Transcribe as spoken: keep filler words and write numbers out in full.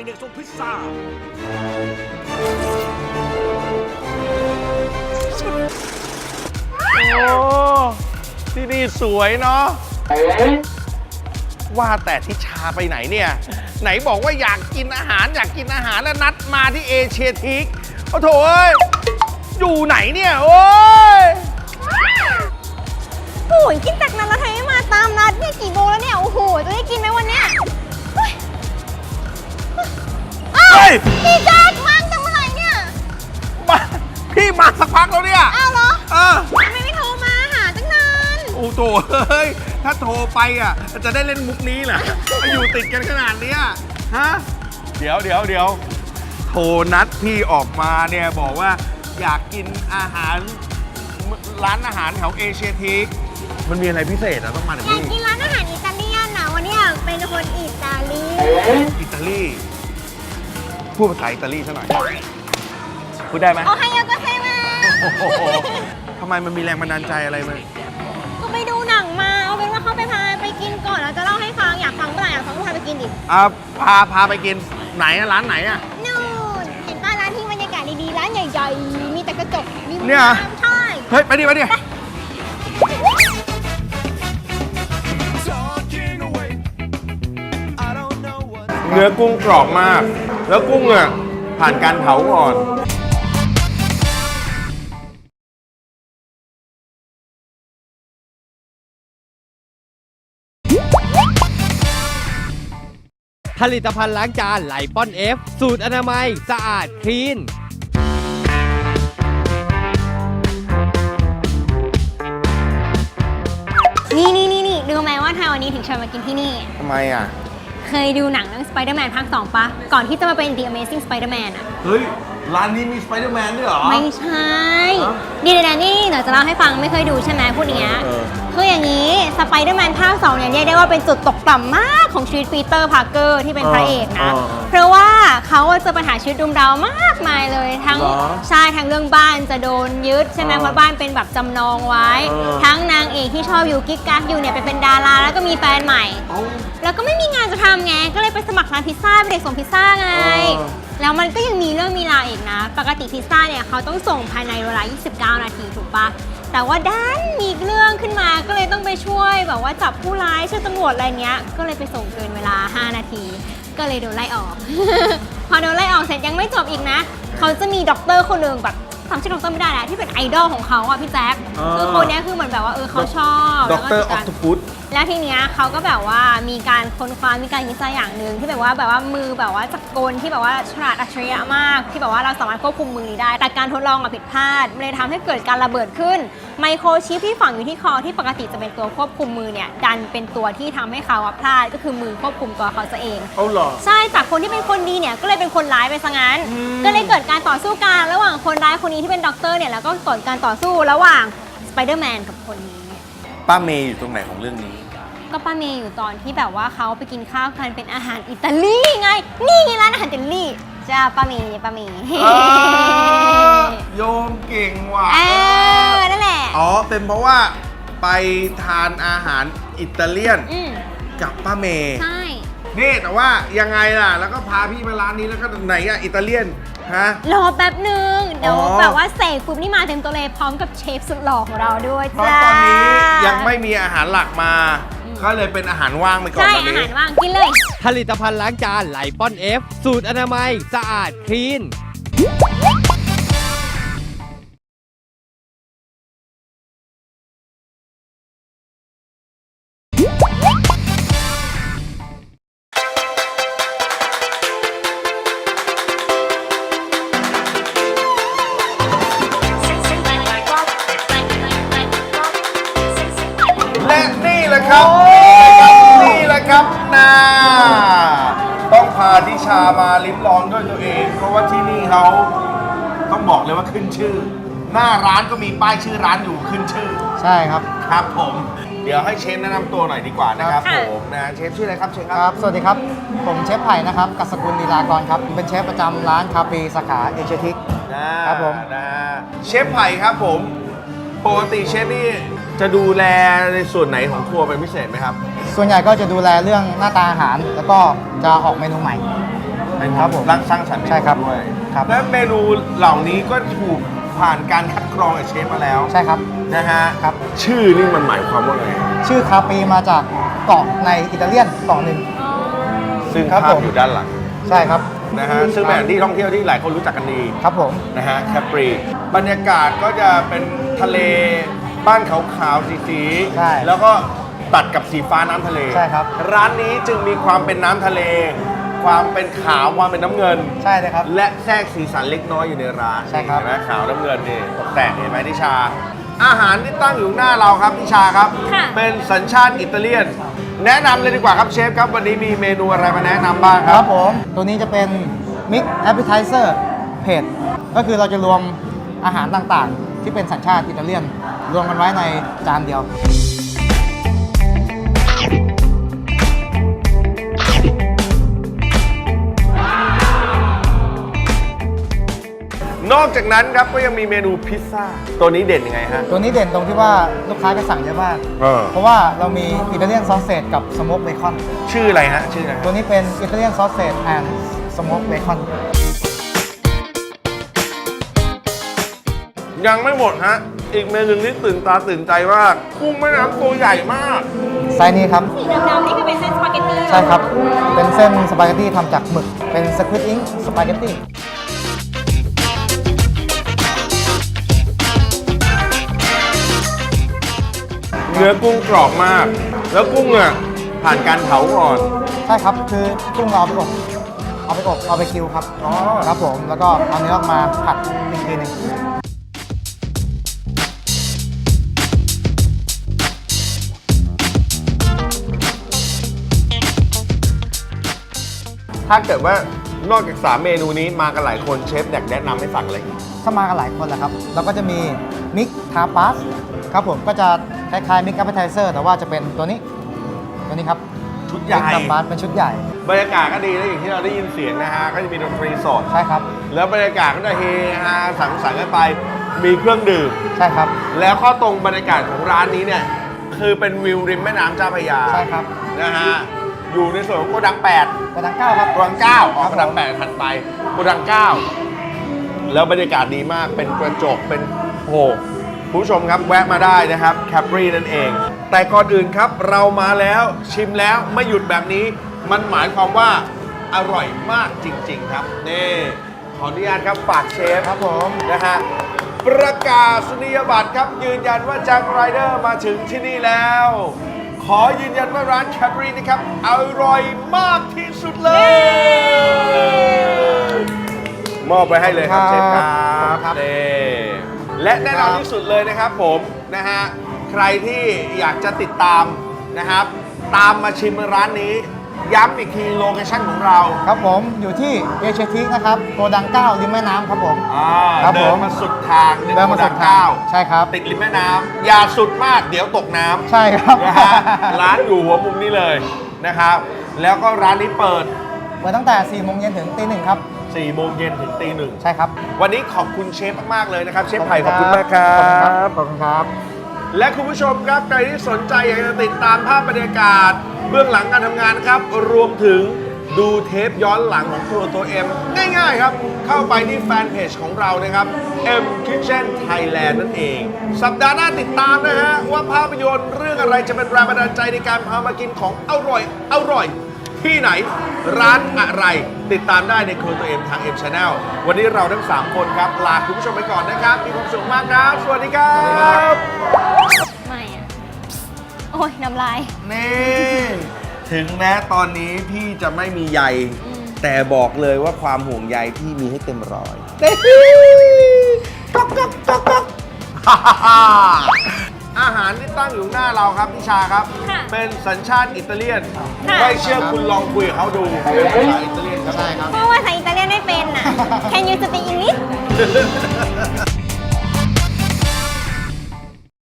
เด็กๆส่งพิซซ่าโอ้ที่นี่สวยเนาะว่าแต่ทิชาไปไหนเนี่ยไหนบอกว่าอยากกินอาหารอยากกินอาหารแล้วนัดมาที่เอเชียทิกโอ้โถเอ้ยอยู่ไหนเนี่ยโอ้ยโอ้ยกินจากนั้นแล้วทำไมไม่มาตามนัดเนี่ยกี่โมงแล้วเนี่ยโอ้โหจะได้กินไหมวันเนี้ยเฮ้ยอ้าวพี่แจ๊คมาตั้งเมื่อไหร่เนี่ยมาพี่มาสักพักแล้วเนี่ยอ้าวเหรอเออทำไมไม่โทรมาหาตั้งนานโอ้โถเฮ้ยถ้าโทรไปอ่ะจะได้เล่นมุกนี้เหรออยู่ติดกันขนาดเนี้ยฮะเดี๋ยวเดี๋ยวเดี๋ยวโทรนัดพี่ออกมาเนี่ยบอกว่าอยากกินอาหารร้านอาหารแถวเอเชียทิกมันมีอะไรพิเศษอะต้องมาถึงอยากนี่กินร้านอาหารอิตาเลียนนะวันนี้อยากเป็นคนอิตาลีอิตาลีพูดภาษาอิตาลีซะหน่อยพูดได้ไหมโอไฮโอโกเซมาโอ้โหทำไมมันมีแรงบันดาลใจอะไรมั้ยก็ไปดูหนังมาเอาเป็นว่าเขาไปพาไปกินก่อนแล้วจะเล่าให้ฟังอยากฟังเมื่อไหร่อยากฟังก็พาไปกินดิอ่าพาพาไปกินไหนอะร้านไหนอะนู่นเห็นป่ะร้านที่บรรยากาศดีๆร้านใหญ่ๆมีแต่กระจกมีเนี่ยน้ำใช่เฮ้ยไปดิไปดิเนื้อกุ้งกรอบมาก แล้วกุ้งอ่ะผ่านการเผาก่อนผลิตภัณฑ์ล้างจานไลปอนเอฟสูตรอนามัยสะอาดคลีนนี่นี่นี่นี่รู้ไหมว่าทางวันนี้ถึงชวนมากินที่นี่ทำไมอ่ะเคยดูหนังเรื่อง Spider-Man ภาคสองปะก่อนที่จะมาเป็น The Amazing Spider-Man อะเฮ้ย ร้านนี้มีสไปเดอร์แมนด้วยเหรอไม่ใช่เดี๋ยวๆนี่เดี๋ยวจะเล่าให้ฟังไม่เคยดูใช่ไหมพูดอย่างเงี้ยเออคืออย่างนี้ Spider-Man ภาคสองเนี่ยเรียกได้ว่าเป็นจุดตกต่ำมากของชีวิตปีเตอร์พาร์เกอร์ที่เป็นพระเอกนะเออเออเพราะว่าเขาเจอปัญหาชีวิตรุมเร้ามากมายเลย ทั้งเหรอใช่ทั้งเรื่องบ้านจะโดนยึดใช่ไหมเออเพราะบ้านเป็นแบบจำนองไว้เออทั้งนางเอกที่ชอบอยู่กิ๊กกักอยู่เนี่ยไปเป็นดาราแล้วก็มีแฟนใหม่เอ้าแล้วก็ไม่มีงานจะทำไง ก็เลยไปสมัครร้านพิซซ่าเป็นเด็กส่งพิซซ่าไงเออแล้วมันก็ยังมีเรื่องมีราวอีกนะ ปกติพิซซ่าเนี่ยเขาต้องส่งภายในเวลา ยี่สิบเก้า นาทีถูกปะ แต่ว่าด้านมีเรื่องขึ้นมา ก็เลยต้องไปช่วยแบบว่าจับผู้ร้ายช่วยตำรวจอะไรเงี้ย ก็เลยไปส่งเกินเวลา ห้า นาที ก็เลยโดนไล่ออก พอโดนไล่ออกเสร็จยังไม่จบอีกนะ เขาจะมีด็อกเตอร์คนหนึ่งแบบจำชื่อด็อกเตอร์ไม่ได้แล้วที่เป็นไอดอลของเขาอ่ะพี่แจ๊ค คือคนเนี้ยคือเหมือนแบบว่าเออเขาชอบด็อกเตอร์ออแล้วฟก็ตุฟุตแล้วทีเนี้ยเขาก็แบบว่ามีการค้นคว้ามีการคิดอย่างหนึ่งที่แบบว่าแบบว่ามือแบบว่าจักรกลที่แบบว่าฉลาดอัจฉริยะมาก ที่แบบว่าเราสามารถควบคุมมือนี้ได้ แต่การทดลองอะผิดพลาดมันเลยทำให้เกิดการระเบิดขึ้นไมโครชิปที่ฝังอยู่ที่คอที่ปกติจะเป็นตัวควบคุมมือเนี่ยดันเป็นตัวที่ทำให้เขาอะพลาดก็คือมือควบคุมตัวเขาซะเองเอาเหรอใช่จากคนที่เป็นคนดีเนี่ยก็เลยเป็นคนร้ายไปซะงั้น ก็เลยเกิดการต่อสู้กันระหว่างคนร้ายคนนี้ที่เป็นด็อกเตอร์เนี่ยแล้วก็เกิดการต่อสู้ระหว่างสไปเดอร์แมนกับคนนี้ป้าเมย์อยู่ตรงไหนของเรื่องนี้ก็ป้าเมย์อยู่ตอนที่แบบว่าเขาไปกินข้าวกันเป็นอาหารอิตาลีไง นี่ไงร้านอาหารอิตาลีจ้าป้าเมย์ป้าเมย์โยมเก่งว่ะเออนั่นแหละอ๋อ เป็นเพราะว่าไปทานอาหารอิตาเลียนอืมกับป้าเมย์ใช่นี่แต่ว่ายังไงล่ะ แล้วก็พาพี่มาร้านนี้แล้วก็ไหนอะอิตาเลียน ฮะรอแป๊บหนึ่งเดี๋ยวอ๋อแบบว่าเสกปุ๊บนี่มาเต็มตัวเลยพร้อมกับเชฟสุดหล่อของเราด้วยเพราะจ้าตอนนี้ยังไม่มีอาหารหลักมา ก็เลยเป็นอาหารว่างไปก่อนใช่ตอนอานี้หารว่างกินเลยผลิตภัณฑ์ล้างจานไลปอนเอฟสูตรอนามัยสะอาดคลีนและนี่แหละครับนี่แหละครับนาต้องพาทิชามาลิ้มลองด้วยตัวเอง เพราะว่าที่นี่เขาต้องบอกเลยว่าขึ้นชื่อ หน้าร้านก็มีป้ายชื่อร้านอยู่ขึ้นชื่อใช่ครับครับผม เดี๋ยวให้เชฟแนะนำตัวหน่อยดีกว่านะครับค่ะผมนะเชฟชื่ออะไรครับเชฟคครัรับบ สวัสดีครับ ผมเชฟไผ่นะครับ กัสกุลลีลากรครับ เป็นเชฟประจำร้านคาเฟ่สาขาเอเชียทิกนะครับผมนะเชฟไผ่ครับผมปกติเชฟนี่จะดูแลในส่วนไหนของครัวเป็นพิเศษไหมครับส่วนใหญ่ก็จะดูแลเรื่องหน้าตาอาหาร แล้วก็จะออกเมนูใหม่อเป็นครับผมรังสร้างสรรค์เมนูใช่ครับด้วยครับและเมนูเหล่านี้ก็ถูกผ่านการคัดกรองจากเชฟมาแล้วใช่ครับนะฮะครับชื่อนี่มันหมายความว่าไงชื่อคาปีมาจากเกาะในอิตาเลียนเกาะหนึ่งซึ่งครับภาพผมอยู่ด้านหลังใช่ครับนะฮะซึ่งเป็นแหล่งที่ท่องเที่ยวที่หลายคนรู้จักกันดีครับผมนะฮะแคปรีบรรยากาศก็จะเป็นทะเลบ้านขาวๆสีๆใช่แล้วก็ตัดกับสีฟ้าน้ำทะเลใช่ครับร้านนี้จึงมีความเป็นน้ำทะเล ความเป็นขาวความเป็นน้ำเงินใช่เลยครับและแทรกสีสันเล็กน้อยอยู่ในร้านใช่ครับเห็นไหมขาวน้ำเงินนี่ตกแต่งเห็นไหมทิชา อาหารที่ตั้งอยู่หน้าเราครับทิชาครับค่ะเป็นสัญชาติอิตาเลียน แนะนำเลยดีกว่าครับเชฟครับวันนี้มีเมนูอะไรมาแนะนำบ้างคครัรับ บผม ตัวนี้จะเป็นมิกแอปเป i ไทเซอร์เผ็ดก็คือเราจะรวมอาหารต่างๆ ที่เป็นสัญชาติอิตาเลียน รวมกันไว้ในจานเดียวนอกจากนั้นครับก็ยังมีเมนูพิซซ่าตัวนี้เด่นยังไงฮะตัวนี้เด่นตรงที่ว่าลูกค้าจะสั่งเยอะมากเออเพราะว่าเรามีอิตาเลียนซอสเซจกับสโมกเบคอนชื่ออะไรฮะชื่ออะไรฮะตัวนี้เป็นอิตาเลียนซอสเซจแอนด์สโมกเบคอนยังไม่หมดฮะ อีกเมนูที่ตื่นตาตื่นใจมากกุ้งแม่น้ำตัวใหญ่มากไซส์นี้ครับสีดำๆนี่คือเป็นเส้นสปาเกตตี้ใช่ครับ เป็นเส้นสปาเกตตี้ทำจากหมึก เป็นสควิดอิงสปาเกตตี้เนื้อกุ้งกรอบมาก แล้วกุ้งอ่ะผ่านการเผาก่อนใช่ครับ คือกุ้งเราเอาไปอบ เอาไปอบ เอาไปคิวครับอ๋อครับผม แล้วก็เอาเนื้อออกมาผัดอีกทีหนึงถ้าเกิดว่านอกจากสามเมนูนี้มากันหลายคนเชฟอยากแนะนำให้สั่งอะไรอีกถ้ามากันหลายคนแหละครับ เราก็จะมีมิกทาปาสครับผม ก็จะคล้ายๆมิกแอปเป i ไทเซอร์แต่ว่าจะเป็นตัวนี้ ตัวนี้ครับชุดใหญ่มิกทาปาสเป็นชุดใหญ่บรรยากาศก็ดีนะอย่างที่เราได้ยินเสียงนะฮะ ก็จะมีดนตรีสดใช่ครับแล้วบรรยากาศก็จะเฮฮาสังสรรค์กันไป มีเครื่องดื่มใช่ครับแล้วข้อตรงบรรยากาศของร้านนี้เนี่ย คือเป็นวิวริมแม่น้ำเจ้าพระยาใช่ครับนะฮะ อยู่ในส่วนของโกดังแปดกระดังเก้าครับโกดังเก้าออกคโกรับดังแปดถัดไปโกดังเก้าแล้วบรรยากาศดีมากเป็นกระจกเป็นโอ้โหคุณผู้ชมครับแวะมาได้นะครับแคปรีนั่นเอง แต่ก่อนอื่นครับเรามาแล้วชิมแล้วไม่หยุดแบบนี้ มันหมายความว่าอร่อยมากจริง ๆ ครับนี่ขออนุญาตครับฝากเชฟครับผมนะฮะประกาศนียบัตรครับยืนยันว่าแจ็คไรเดอร์มาถึงที่นี่แล้ว ขอยืนยันว่าร้านแคปรีนะครับอร่อยมากที่สุดเลย มอบไปให้เลยครับเชฟครับนี่และแน่นอนที่สุดเลยนะครับผมนะฮะใครที่อยากจะติดตามนะครับ ตามมาชิมร้านนี้ ย้ำอีกทีโลเคชั่นของเราครับผม อยู่ที่เอเชียทิกนะครับ โกดังเก้าริมแม่น้ำครับผมอ่าครับเดิผนมมาสุดทางเดินมาสุดทางเก้าใช่ครับติดริมแม่น้ำอย่าสุดมากเดี๋ยวตกน้ำใช่ครับนะฮะร้านอยู่หัวมุมนี้เลยนะครับ แล้วก็ร้านนี้เปิดเปิดตั้งแต่สี่โมงเย็นถึงตีหนึ่งครับสี่โมงเย็นถึงตีหนึ่งใช่ครับวันนี้ขอบคุณเชฟมาก ๆ เลยนะครับ เชฟไผ่ขอบคุณมากครัขอบคุณครับบขอบคุณครับและคุณผู้ชมครับใครที่สนใจอยากจะติดตามภาพบรรยากาศ เบื้องหลังการทำงานนะครับ รวมถึงดูเทปย้อนหลังของครัวตัวเอ็มง่ายๆครับ เข้าไปที่แฟนเพจของเรานะครับ M Kitchen Thailand นั่นเอง สัปดาห์หน้าติดตามนะฮะ ว่าภาพยนตร์เรื่องอะไรจะเป็นแรงบันดาลใจในการพามากินของอร่อยอร่อย ที่ไหนร้านอะไรติดตามได้ในครัวตัวเอ็มทาง M Channel วันนี้เราทั้งสามคนครับลาคุณผู้ชมไปก่อนนะครับ มีความสุขมากครับ สวัสดีครับไม่อะโอ้ยน้ำลายนี่ถึงแม้ตอนนี้พี่จะไม่มีใย แต่บอกเลยว่าความห่วงใยพี่มีให้เต็มร้อยก๊อกก๊อกก๊อกก๊อกฮ่าฮ่าฮ่าอาหารที่ตั้งอยู่หน้าเราครับพี่ชาครับค่ะเป็นสัญชาติอิตาเลียนค่ะไม่เชื่อคุณลองคุยกับเขาดูเป็นภาษาอิตาเลียนครับใช่ครับเพราะว่าภาษาอิตาเลียนไม่เป็นน่ะ Can you speak English